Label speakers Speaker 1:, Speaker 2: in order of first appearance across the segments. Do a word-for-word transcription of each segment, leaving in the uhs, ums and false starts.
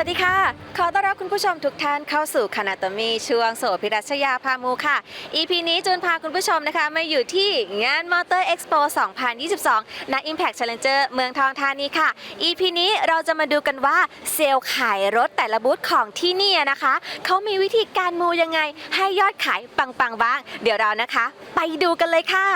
Speaker 1: วัสดีค่ะขอต้อนรับคุณผู้ชมทุกท่านเข้าสู่คณะตมีช่วงโสภิรัชยาพามูค่ะ อี พี นี้จูนพาคุณผู้ชมนะคะมาอยู่ที่งาน Motor Expo สองพันยี่สิบสอง ณ Impact Challenger เมืองทองธานีค่ะ อี พี นี้เราจะมาดูกันว่าเซลล์ขายรถแต่ละบูธของที่นี่นะคะเขามีวิธีการมูยังไงให้ยอดขายปังๆบ้างเดี๋ยวเรานะคะไปดูกันเลยค่ะ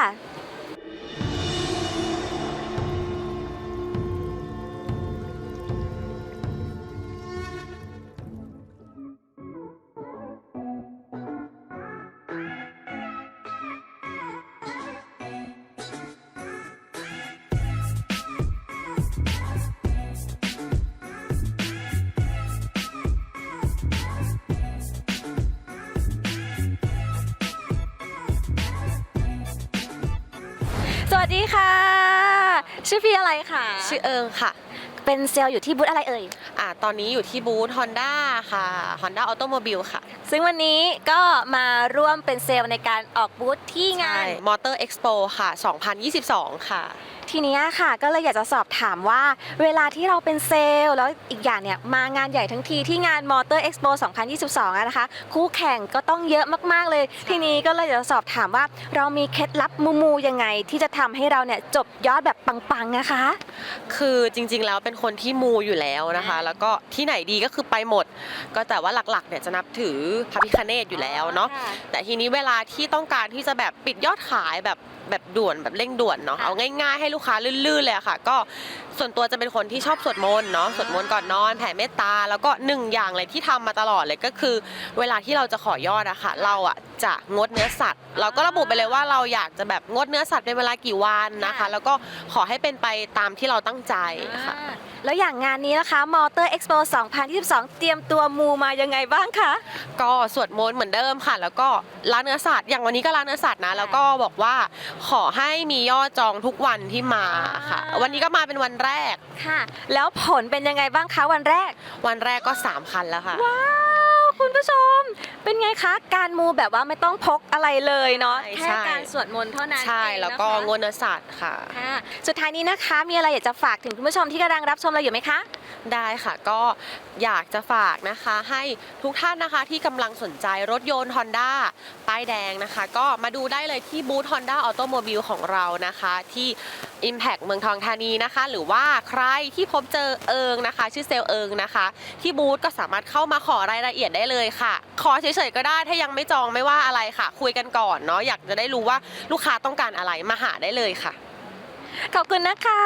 Speaker 1: สวัสดีค่ะชื่อพี่อะไรคะ
Speaker 2: ชื่อเอิงค่ะ
Speaker 1: เป็นเซลล์อยู่ที่บูธอะไรเอ่ย
Speaker 2: อ่าตอนนี้อยู่ที่บูธ Honda ค่ะ Honda Automobile ค่ะ
Speaker 1: ซึ่งวันนี้ก็มาร่วมเป็นเซลล์ในการออกบูธที่งาน
Speaker 2: Motor Expo ค่ะ สองพันยี่สิบสอง ค่ะ
Speaker 1: ทีนี้ค่ะก็เลยอยากจะสอบถามว่าเวลาที่เราเป็นเซลล์แล้วอีกอย่างเนี่ยมางานใหญ่ทั้งทีที่งาน Motor Expo สองพันยี่สิบสองนะคะคู่แข่งก็ต้องเยอะมากๆเลยทีนี้ก็เลยอยากจะสอบถามว่าเรามีเคล็ดลับมูมูยังไงที่จะทำให้เราเนี่ยจบยอดแบบปังๆนะคะ
Speaker 2: คือจริงๆแล้วเป็นคนที่มูอยู่แล้วนะคะแล้วก็ที่ไหนดีก็คือไปหมดก็แต่ว่าหลักๆเนี่ยจะนับถือพระพิฆเนศอยู่แล้วเนาะแต่ทีนี้เวลาที่ต้องการที่จะแบบปิดยอดขายแบบแบบด่วนแบบเร่งด่วนเนาะเอาง่ายๆให้ลูกค้าลื่นๆเลยค่ะก็ส่วนตัวจะเป็นคนที่ชอบสวดมนต์เนาะสวดมนต์ก่อนนอนแผ่เมตตาแล้วก็หนึ่งอย่างเลยที่ทำมาตลอดเลยก็คือเวลาที่เราจะขอยอดอะค่ะเราอะจะงดเนื้อสัตว์เราก็ระบุไปเลยว่าเราอยากจะแบบงดเนื้อสัตว์เป็นเวลากี่วันนะคะแล้วก็ขอให้เป็นไปตามที่เราตั้งใจค่ะ
Speaker 1: แล้วอย่างงานนี้นะคะ Motor Expo สองพันยี่สิบสอง เตรียมตัวมูมายังไงบ้างคะ
Speaker 2: ก็สวดมนต์เหมือนเดิมค่ะแล้วก็ล้างเนื้อสัตว์อย่างวันนี้ก็ล้างเนื้อสัตว์นะแล้วก็บอกว่าขอให้มียอดจองทุกวันที่มาค่ะวันนี้ก็มาเป็นวันแรก
Speaker 1: ค่ะแล้วผลเป็นยังไงบ้างคะวันแรก
Speaker 2: วันแรกก็สามคันแล้วค่ะ
Speaker 1: ว้าวคุณผู้ชมเป็นไงคะการมูแบบว่าไม่ต้องพกอะไรเลยเนาะแค่การสวดมนต์เท่านั้น
Speaker 2: ใช่แล้วก็งดเนื้อสัตว์ค่ะ
Speaker 1: สุดท้ายนี้นะคะมีอะไรอยากจะฝากถึงคุณผู้ชมที่กำลังรับชมเราอยู่ไหมคะ
Speaker 2: ได้ค่ะก็อยากจะฝากนะคะให้ทุกท่านนะคะที่กำลังสนใจรถยนต์ Honda ป้ายแดงนะคะก็มาดูได้เลยที่บูธ Honda Automobile ของเรานะคะที่ Impact เมืองทองธานีนะคะหรือว่าใครที่พบเจอเอิงนะคะชื่อเซลเอิงนะคะที่บูธก็สามารถเข้ามาขอรายละเอียดได้เลยค่ะขอเฉยๆก็ได้ถ้ายังไม่จองไม่ว่าอะไรค่ะคุยกันก่อนเนาะอยากจะได้รู้ว่าลูกค้าต้องการอะไรมาหาได้เลยค่ะ
Speaker 1: ขอบคุณนะคะ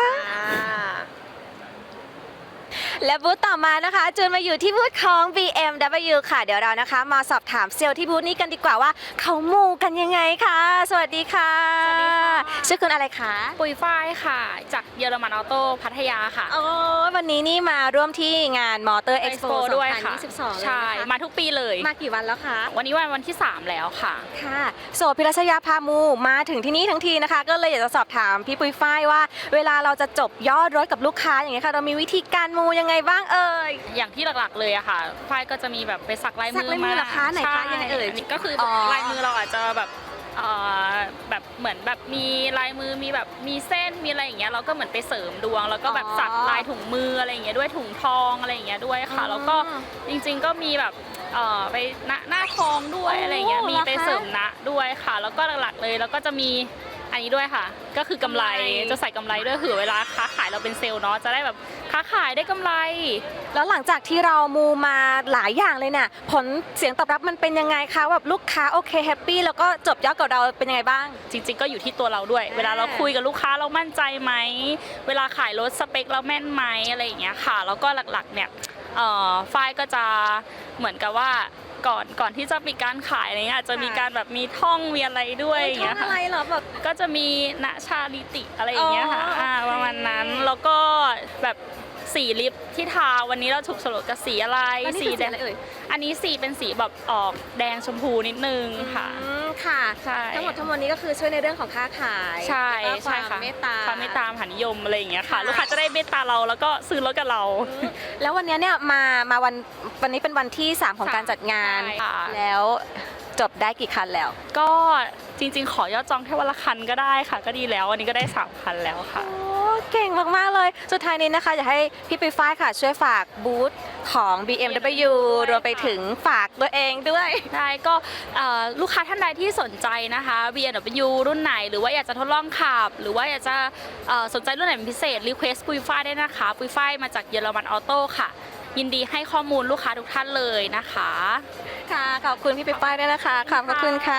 Speaker 1: และบูธต่อมานะคะจูนมาอยู่ที่บูธของ บี เอ็ม ดับเบิลยู ค่ะเดี๋ยวเรานะคะมาสอบถามเซลล์ที่บูธนี้กันดีกว่าว่าเขามูกันยังไงคะสวัสดีค่ะ
Speaker 3: สวัสดีค่ะ
Speaker 1: ชื่อคุณอะไรคะ
Speaker 3: ปุยฝ้ายค่ะจากเยอรมันออโต้พัทยาค่ะ
Speaker 1: โอ้วันนี้นี่มาร่วมที่งาน Motor Expo
Speaker 3: ด้วยค่ะ
Speaker 1: สองพันยี่สิบสอง
Speaker 3: ใช่มาทุกปีเลย
Speaker 1: มากี่วันแล้วคะ
Speaker 3: วันนี้วันวันที่สามแล้วค่ะ
Speaker 1: ค่ะโสภิรัชยาพามูมาถึงที่นี่ทั้งทีนะคะก็เลยอยากจะสอบถามพี่ปุยฝ้ายว่าเวลาเราจะจบยอดรถกับลูกค้าอย่างเงี้ยค่ะเรามีวิธีการมูยังไงบ้างเอ่ย
Speaker 3: อย่างที่หลักๆเลยอะค่ะฝ้ายก็จะมีแบบไปสักลายมือมา
Speaker 1: เหรอคะไหนคะยังไงเอ่ย
Speaker 3: ก็คือลายมือเราอาจจะแบบแบบเหมือนแบบมีลายมือมีแบบมีเส้นมีอะไรอย่างเงี้ยเราก็เหมือนไปเสริมดวงแล้วก็แบบสักลายถุงมืออะไรอย่างเงี้ยด้วยถุงทองอะไรอย่างเงี้ยด้วยค่ะแล้วก็จริงๆก็มีแบบไปหน้าทองด้วยอะไรอย่างเงี้ยมีไปเสริมนะด้วยค่ะแล้วก็หลักๆเลยแล้วก็จะมีอันนี้ด้วยค่ะก็คือกำไรจะใส่กำไรด้วยคือเวลาค้าขายเราเป็นเซลล์เนาะจะได้แบบค้าขายได้กำไร
Speaker 1: แล้วหลังจากที่เรามูมาหลายอย่างเลยเนี่ยผลเสียงตอบรับมันเป็นยังไงคะแบบลูกค้าโอเคแฮปปี้แล้วก็จบยอดกับเราเป็นยังไงบ้าง
Speaker 3: จริงๆก็อยู่ที่ตัวเราด้วยเวลาเราคุยกับลูกค้าเรามั่นใจไหมเวลาขายรถสเปคเราแม่นไหมอะไรอย่างเงี้ยค่ะแล้วก็หลักๆเนี่ยฝ้ายก็จะเหมือนกับว่าก่อนก่อนที่จะมีการขายอะไรเงี้ยอาจจะมีการแบบมีท่องมีอะไรด้วยอย่างเงี้ยค่ะ
Speaker 1: อะไรเหรอแบบ
Speaker 3: ก็จะมีณชาลิติอะไรอย่างเงี้ยค่ะประมาณนั้นแล้วก็แบบสีลิปที่ทาวันนี้เราถูกโฉลกกับสีอะไร
Speaker 1: สีแดง
Speaker 3: อันนี้สีเป็นสีแบบออกแดงชมพูนิดนึงค่ะ
Speaker 1: ค่ะทั้งหมดทั้งมวลนี้ก็คือช่วยในเรื่องของค้าขาย
Speaker 3: ใช่ใช่ค่ะ
Speaker 1: เมตตา
Speaker 3: ความเมตตามหานิยมอะไรอย่างเงี้ยค่ะลูกค้าจะได้เมตตาเราแล้วก็ซื้อรถกับเรา
Speaker 1: แล้ววันนี้เนี่ยมามาวันวันนี้เป็นวันที่สามของการจัดงานแล้วจจบได้กี่คันแล้ว
Speaker 3: ก็จริงๆ ขอยอดจองแค่วันละคันก็ได้ค่ะ ก็ดีแล้ววันนี้ก็ได้สามคันแล้วค่ะ
Speaker 1: โอ้เก่งมากๆเลยสุดท้ายนี้นะคะอยากให้พี่ปุ้ยฝ้ายค่ะช่วยฝากบูธของ บี เอ็ม ดับเบิลยู รวมไปถึงฝากตัวเองด้วย
Speaker 3: ได้ก็เอ่อลูกค้าท่านใดที่สนใจนะคะ บี เอ็ม ดับเบิลยู รุ่นไหนหรือว่าอยากจะทดลองขับ หรือว่าอยากจะเอ่อสนใจรุ่นไหนเป็นพิเศษรีเควสปุยฝ้ายได้นะคะปุยฝ้ายมาจากเยอรมันออโต้ค่ะ ยินดีให้ข้อมูลลูกค้าทุกท่านเลยนะคะ
Speaker 1: ค่ะขอบคุณพี่ปุ้ยฝ้ายด้วยนะคะขอบพระคุณค่ะ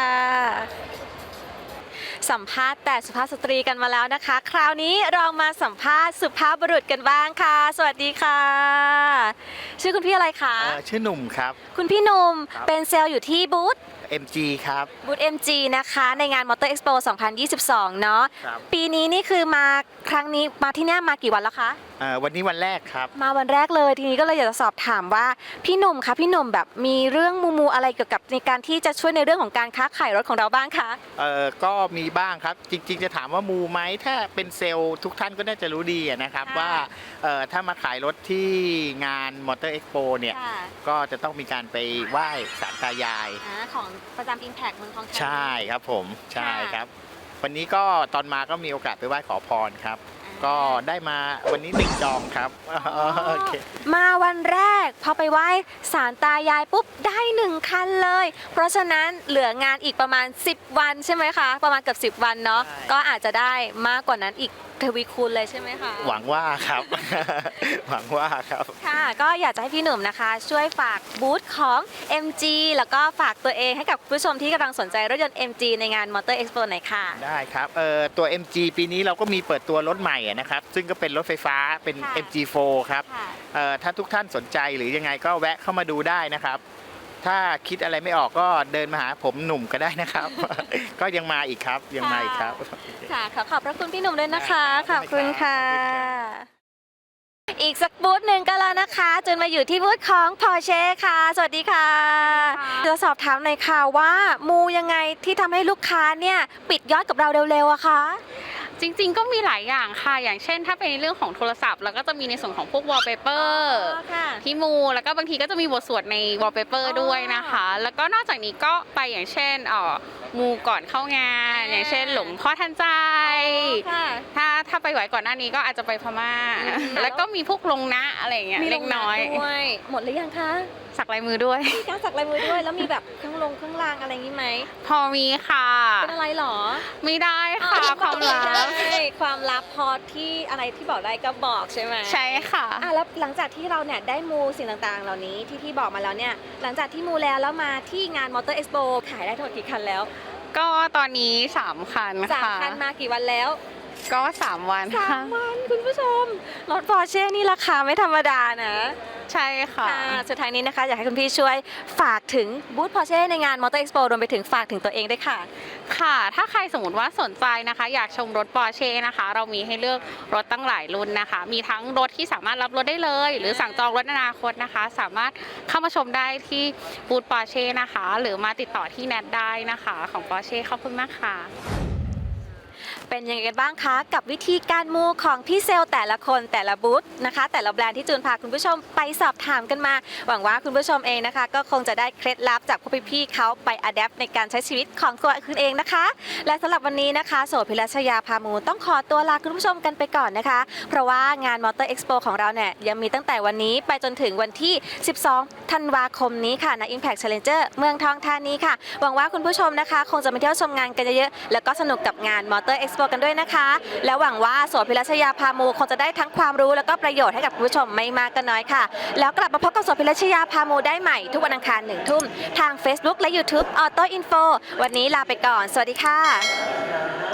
Speaker 1: สัมภาษณ์แต่สุภาพสตรีกันมาแล้วนะคะ คราวนี้เรามาสัมภาษณ์สุภาพบุรุษกันบ้างค่ะ สวัสดีค่ะ ชื่อคุณพี่อะไรคะ
Speaker 4: เอ่อชื่อหนุ่มครับ
Speaker 1: คุณพี่หนุ่ม
Speaker 4: ครับ
Speaker 1: เป็นเซลล์อยู่ที่บูธ
Speaker 4: เอ็ม จี ครับ
Speaker 1: บูธ เอ็ม จี นะคะในงาน Motor Expo สองพันยี่สิบสอง เนาะ
Speaker 4: ครับ
Speaker 1: ปีนี้นี่คือมาครั้งนี้มาที่เนี่ยมากี่วันแล้วคะ
Speaker 4: เอ่อวันนี้วันแรกครับ
Speaker 1: มาวันแรกเลยทีนี้ก็เลยอยากจะสอบถามว่าพี่หนุ่มคะพี่หนุ่มแบบมีเรื่องมูมูอะไรเกี่ยวกับในการที่จะช่วยในเรื่องของการค้าขายรถของเราบ้างคะ
Speaker 4: เอ่อก็มีบ้างครับ จริง ๆ จะถามว่ามูไหมถ้าเป็นเซลล์ทุกท่านก็น่าจะรู้ดีอะนะครับ
Speaker 1: ค่ะ
Speaker 4: ว่าเอ่อถ้ามาขายรถที่งาน Motor Expo เนี่ย
Speaker 1: ค่ะ
Speaker 4: ก็จะต้องมีการไปไหว้ศาลตายาย
Speaker 1: อ่าของประจำ Impact เมืองทองธานี
Speaker 4: ใช่ครับผมใช่
Speaker 1: ค่ะ
Speaker 4: ครับ วันนี้ก็ตอนมาก็มีโอกาสไปไหว้ขอพรครับ
Speaker 1: อ่า
Speaker 4: ก็ได้มาวันนี้หนึ่งจองครับโอเค
Speaker 1: มาวันแรกพอไปไหว้ศาลตายายปุ๊บได้หนึ่งคันเลย เพราะฉะนั้นเหลืองานอีกประมาณสิบวันใช่ไหมคะ ประมาณเกือบสิบวันเนาะ
Speaker 4: ใช่
Speaker 1: ก็อาจจะได้มากกว่านั้นอีกทวีคูณเลยใช่ไหมคะ
Speaker 4: หวังว่าครับ หวังว่าครับ
Speaker 1: ค่ะก็อยากจะให้พี่หนุ่มนะคะ ช่วยฝากบูธของ เอ็ม จี แล้วก็ฝากตัวเองให้กับผู้ชมที่กำลังสนใจรถยนต์ เอ็ม จี ในงาน Motor Expo หน่อยค่ะ
Speaker 4: ได้ครับเอ่อตัว เอ็ม จี ปีนี้เราก็มีเปิดตัวรถใหม่อะนะครับ ซึ่งก็เป็นรถไฟฟ้าเป็น
Speaker 1: ค่ะ
Speaker 4: เอ็ม จี โฟร์ ครับ
Speaker 1: ค่ะ
Speaker 4: เอ่อถ้าทุกท่านสนใจหรือยังไงก็แวะเข้ามาดูได้นะครับ ถ้าคิดอะไรไม่ออกก็เดินมาหาผมหนุ่มก็ได้นะครับ ก็ยังมาอีกครับยังมาอีกครับ
Speaker 1: ค่ะขอขอบพระคุณพี่หนุ่มด้วยนะคะ ข
Speaker 4: ได้
Speaker 1: อบคุณค่ะ
Speaker 4: ขอบคุณ
Speaker 1: อีกสักบูธหนึ่งก็แล้วนะคะจนมาอยู่ที่บูธของ Porsche ค่ะ สวัสดีค่ะ
Speaker 3: ค่ะ
Speaker 1: จะสอบถามหน่อยค่ะว่ามูยังไงที่ทำให้ลูกค้าเนี่ยปิดยอดกับเราเร็วๆอะคะ
Speaker 5: จริงๆ ก็มีหลายอย่างค่ะ อย่างเช่น ถ้าเป็นในเรื่องของโทรศัพท์เราก็จะมีในส่วนของพวก wallpaper
Speaker 1: ค่ะ
Speaker 5: ที่มู แล้วก็บางทีก็จะมีบทสวดใน wallpaper
Speaker 1: อ๋อ
Speaker 5: ด้วยนะคะ แล้วก็นอกจากนี้ก็ไปอย่างเช่นเอ่อมูก่อนเข้างาน
Speaker 1: อ่า
Speaker 5: อย่างเช่น หลวงพ่อทันใจ
Speaker 1: ค่ะ
Speaker 5: ถ้าถ้าไปไหวก่อนหน้านี้ก็อาจจะไปพม่า
Speaker 1: อืม
Speaker 5: แล้วก็มีพวกลงนะอะไรอย่างเงี้ย
Speaker 1: มี
Speaker 5: เล็กน้อย
Speaker 1: ลงมาด้วยหมดหรือยังคะ
Speaker 5: สักลายมือด้วย
Speaker 1: มีการสักลายมือด้วยแล้วมีแบบเครื่องลงเครื่องรางอะไรอย่างนี้ไหม
Speaker 5: พอมีค่ะ
Speaker 1: เป็นอะไรหรอ
Speaker 5: ไม่ได้ค่ะ ความลับ
Speaker 1: ใช่ความลับพอที่อะไรที่บอกได้ก็บอกใช่ไหม
Speaker 5: ใช่ค่ะ
Speaker 1: อ่ะแล้วหลังจากที่เราเนี่ยได้มูสิ่งต่างๆ เหล่านี้ที่พี่บอกมาแล้วเนี่ยหลังจากที่มูแล้วแล้วมาที่งาน Motor Expo ขายได้ทั้งหมดกี่คันแล้ว
Speaker 5: ก็ตอนนี้สามคัน
Speaker 1: สาม
Speaker 5: ค่ะ
Speaker 1: คันมากี่วันแล้ว
Speaker 5: ก็สามวัน
Speaker 1: สา
Speaker 5: ค่ะ
Speaker 1: มวันคุณผู้ชมรถ Porsche นี่ราคาไม่ธรรมดานะ
Speaker 5: ใช่ค่ะ
Speaker 1: ค่ะสุดท้ายนี้นะคะอยากให้คุณพี่ช่วยฝากถึงบูธ Porsche ในงาน Motor Expo รวมไปถึงฝากถึงตัวเองด้วยค่ะ
Speaker 5: ค่ะ ถ้าใครสมมติว่าสนใจนะคะ อยากชมรถ Porsche นะคะ เรามีให้เลือกรถตั้งหลายรุ่นนะคะ มีทั้งรถที่สามารถรับรถได้เลย หรือสั่งจองรถในอนาคตนะคะ สามารถเข้ามาชมได้ที่บูธ Porsche นะคะ หรือมาติดต่อที่แนทได้นะคะของ Porsche ขอบคุณมากค่ะ
Speaker 1: เป็นยังไงกันบ้างคะกับวิธีการมูของพี่เซลล์แต่ละคนแต่ละบูธนะคะ แต่ละแบรนด์ที่จูนพาคุณผู้ชมไปสอบถามกันมา หวังว่าคุณผู้ชมเองนะคะ ก็คงจะได้เคล็ดลับจากพวกพี่ๆเขาไปอัดแอปในการใช้ชีวิตของตัวคุณเองนะคะ และสำหรับวันนี้นะคะโสภิรัชยาพามูต้องขอตัวลาคุณผู้ชมกันไปก่อนนะคะ เพราะว่างาน Motor Expo ของเราเนี่ยยังมีตั้งแต่วันนี้ไปจนถึงวันที่ สิบสอง ธันวาคมนี้ค่ะณ Impact Challenger เมืองทองธานีค่ะหวังว่าคุณผู้ชมนะคะ คงจะมาเที่ยวชมงานกันเยอะๆแล้วก็สนุกกับงาน Motor Expo กันด้วยนะคะ และหวังว่าโสภิรัชยาพามูคงจะได้ทั้งความรู้แล้วก็ประโยชน์ให้กับคุณผู้ชมไม่มากก็น้อยค่ะ แล้วกลับมาพบกับโสภิรัชยาพามูได้ใหม่ทุกวันอังคารหนึ่งทุ่มทาง Facebook และ YouTube Auto Info วันนี้ลาไปก่อน สวัสดีค่ะ